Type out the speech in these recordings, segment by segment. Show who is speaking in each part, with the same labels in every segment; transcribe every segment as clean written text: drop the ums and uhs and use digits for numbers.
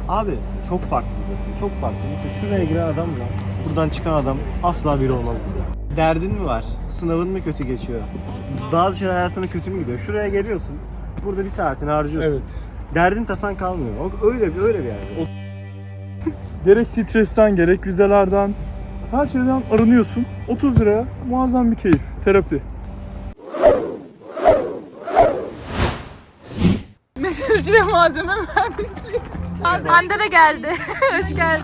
Speaker 1: Abi çok farklı burası, çok farklı. Mesela şuraya giren adamla buradan çıkan adam asla biri olmaz burada. Derdin mi var? Sınavın mı kötü geçiyor? Bazı şeyler hayatına kötü mü gidiyor? Şuraya geliyorsun, burada bir saatini harcıyorsun.
Speaker 2: Evet.
Speaker 1: Derdin tasan kalmıyor. Öyle bir yer.
Speaker 2: Gerek stresten gerek vizelerden her şeyden arınıyorsun. 30 liraya muazzam bir keyif. Terapi.
Speaker 3: Meteoroloji ve malzeme mühendisliği. Hande de geldi. Hoş geldin.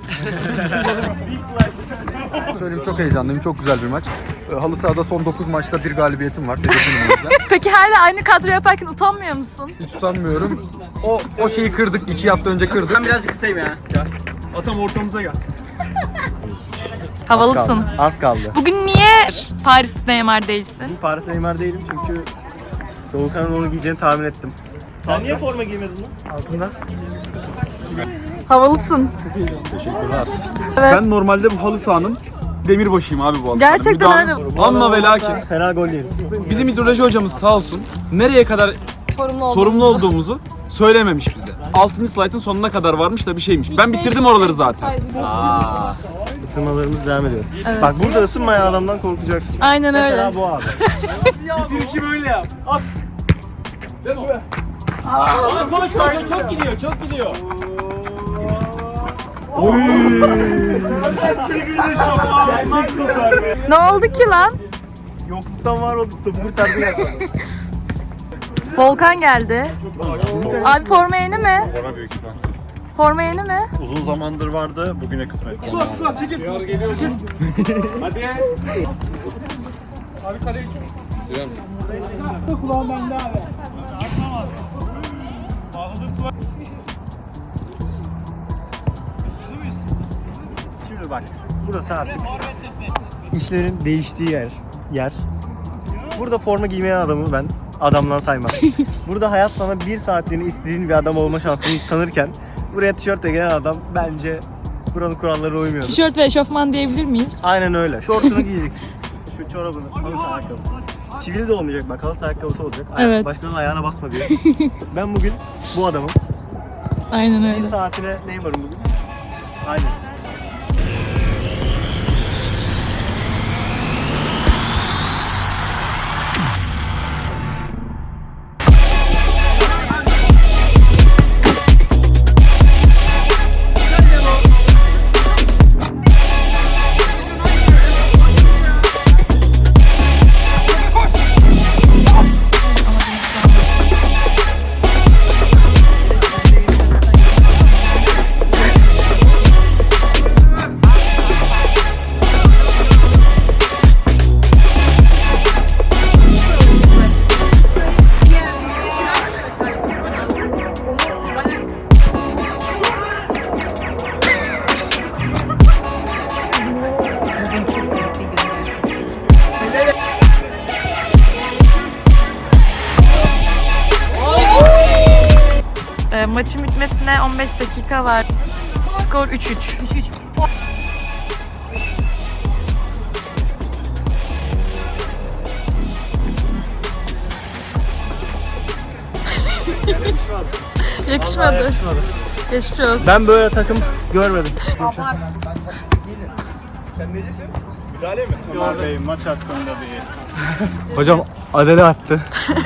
Speaker 4: Söyleyeyim, çok heyecanlıyım. Çok güzel bir maç. Halı sahada son 9 maçta bir galibiyetim var. Hedefim o yüzden.
Speaker 3: Peki hala aynı kadro yaparken utanmıyor musun?
Speaker 4: Hiç utanmıyorum. O şeyi kırdık. 2 hafta önce kırdık.
Speaker 5: Ben birazcık kısayım ya.
Speaker 2: Atam ortamıza gel.
Speaker 3: Havalısın.
Speaker 1: Az kaldı.
Speaker 3: Bugün niye Paris Neymar değilsin?
Speaker 1: Paris Neymar değilim çünkü Doğukan'ın onu giyeceğini tahmin ettim. Sen niye forma giymedin lan? Altında.
Speaker 3: Havalısın.
Speaker 4: Teşekkürler.
Speaker 3: Evet.
Speaker 2: Ben normalde bu halı sahanın demirbaşıyım abi bu halı
Speaker 3: Gerçekten
Speaker 2: sahanın.
Speaker 3: öyle.
Speaker 2: Amma ve lakin.
Speaker 1: Fena gol yeriz.
Speaker 2: Bizim hidroloji hocamız sağ olsun nereye kadar sorumlu olduğumuzu söylememiş bize. 6. slaytın sonuna kadar varmış da bir şeymiş. Ben bitirdim oraları zaten.
Speaker 1: Isınmalarımız devam ediyor.
Speaker 3: Evet.
Speaker 1: Bak burada ısınmayan adamdan korkacaksın.
Speaker 3: Aynen öyle.
Speaker 1: Mesela bu abi.
Speaker 2: Bitirişi böyle yap. At.
Speaker 5: Koş koş çok gidiyor çok gidiyor.
Speaker 3: Ne oldu ki lan?
Speaker 1: Yokluktan var olduk topu kurtardı ya.
Speaker 3: Volkan geldi. Abi forma yeni mi?
Speaker 6: Bana büyük ihtimal.
Speaker 3: Forma yeni mi?
Speaker 6: Uzun zamandır vardı, bugüne kısmet.
Speaker 1: Şimdi bak burası artık işlerin değiştiği yer. Burada forma giymeyen adamı ben adamdan saymam. Burada hayat sana bir saatliğine istediğin bir adam olma şansını tanırken buraya tişörtle gelen adam bence buranın kurallarına uymuyor.
Speaker 3: Tişört ve eşofman diyebilir miyiz?
Speaker 1: Aynen öyle. Şortunu giyeceksin. Şu çorabını, halı saha ayakkabısı. Çivili de olmayacak bak, halı saha ayakkabısı olacak.
Speaker 3: Evet.
Speaker 1: Başkanın ayağına basma diye. Ben bugün bu adamım.
Speaker 3: Aynen
Speaker 1: Bir
Speaker 3: öyle.
Speaker 1: saatine Neymar'ım bugün. Aynen.
Speaker 3: Maçın bitmesine 15 dakika var. Skor 3-3. Yakışmadı. Geçmiş olsun.
Speaker 1: Ben böyle takım görmedim.
Speaker 6: Ömer Bey maç hakkında bir...
Speaker 1: Hocam Adele attı.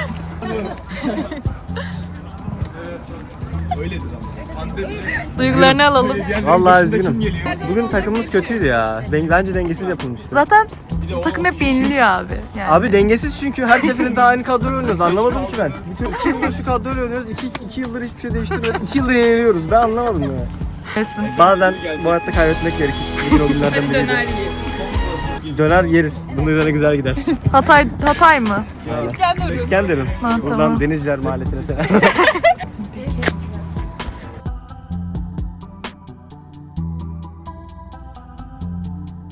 Speaker 3: Duygularını alalım.
Speaker 1: Vallahi üzgünüm. Bugün takımımız kötüydü ya. Bence dengesiz yapılmıştı.
Speaker 3: Zaten bu takım hep yeniliyor abi. Yani.
Speaker 1: Abi dengesiz çünkü her seferinde aynı kadroyla oynuyoruz. Anlamadım ki ben. Bütün 2 yıldır şu kadroyla oynuyoruz. 2 yıldır hiçbir şey değiştirmiyoruz. 2 yıldır yeniliyoruz. Ben anlamadım ya.
Speaker 3: Kesin.
Speaker 1: Bazen bu hayatta kaybetmek gerekir. Bugün o günlerden biriydi. Döner yeriz. Bunun üzerine güzel gider.
Speaker 3: Hatay mı?
Speaker 1: İskenderun.
Speaker 3: Ha,
Speaker 1: Buradan
Speaker 3: tamam.
Speaker 1: Denizciler Mahallesi'ne selam.